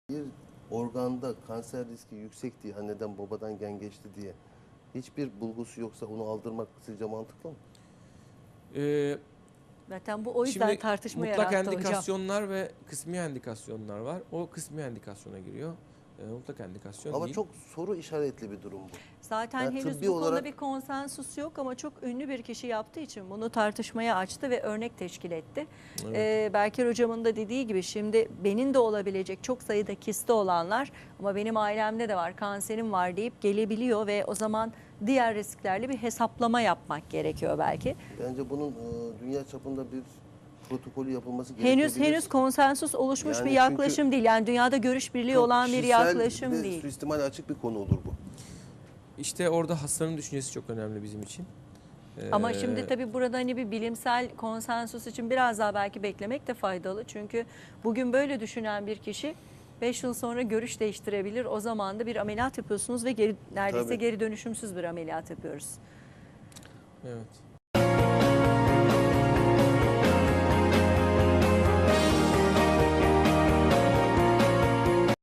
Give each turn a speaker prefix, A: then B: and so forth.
A: Bir organda kanser riski yüksek diye, anneden babadan gen geçti diye hiçbir bulgusu yoksa onu aldırmak sizce mantıklı mı?
B: Zaten bu o yüzden
C: Şimdi
B: tartışma
C: mutlak
B: yarattı hocam.
C: endikasyonlar ve kısmi endikasyonlar var. O kısmi endikasyona giriyor. Mutlak endikasyon
A: Ama
C: değil.
A: çok soru işaretli bir durum bu.
B: Zaten
A: Yani
B: henüz
A: tıbbi
B: bu konuda
A: olarak-
B: bir konsensus yok ama çok ünlü bir kişi yaptığı için bunu tartışmaya açtı ve örnek teşkil etti.
C: Evet.
B: Berker hocamın da dediği gibi şimdi benim de olabilecek çok sayıda kisti olanlar ama benim ailemde de var, kanserim var deyip gelebiliyor ve o zaman diğer risklerle bir hesaplama yapmak gerekiyor belki.
A: Bence bunun dünya çapında bir protokolü yapılması gerekebilir.
B: Henüz konsensus oluşmuş
A: Yani
B: bir yaklaşım
A: çünkü
B: değil. Yani dünyada görüş birliği
A: çok
B: olan bir
A: kişisel,
B: yaklaşım
A: bir de
B: değil.
A: suistimale açık bir konu olur bu.
C: İşte orada hastanın düşüncesi çok önemli bizim için.
B: Ama şimdi tabii burada hani bir bilimsel konsensus için biraz daha belki beklemek de faydalı. Çünkü bugün böyle düşünen bir kişi 5 yıl sonra görüş değiştirebilir. O zaman da bir ameliyat yapıyorsunuz ve neredeyse
A: Tabii.
B: geri dönüşümsüz bir ameliyat yapıyoruz.
C: Evet.